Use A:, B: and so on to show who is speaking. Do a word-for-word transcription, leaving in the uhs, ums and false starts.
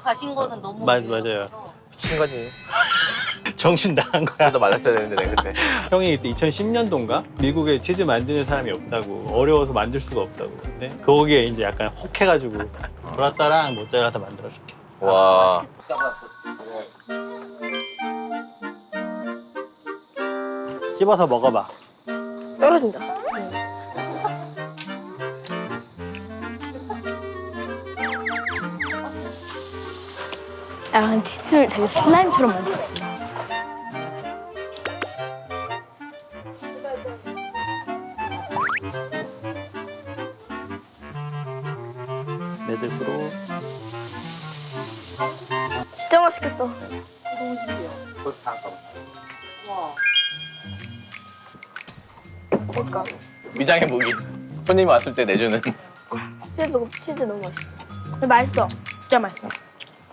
A: 가신 거는 너무
B: 맞-
A: 의외였어서.
B: 맞아요.
C: 미친 거지.
B: 정신 나간 거야.
C: 더 말랐어야 되는데 내가 그때.
B: 형이 그때 이천십 년도인가 미국에 치즈 만드는 사람이 없다고, 어려워서 만들 수가 없다고. 근데 거기에 이제 약간 혹해가지고 브라따랑 모짜렐라 다 만들어줄게.
C: 와.
B: 씹어서 먹어봐.
D: 떨어진다. 약간 치즈를 되게 슬라임처럼 만들었어.
B: 매듭으로.
D: 진짜 맛있겠다. 그러니까
C: 위장의 무기. 손님이 왔을 때 내주는.
D: 치즈 치즈 너무 맛있어. 근데 맛있어. 진짜 맛있어.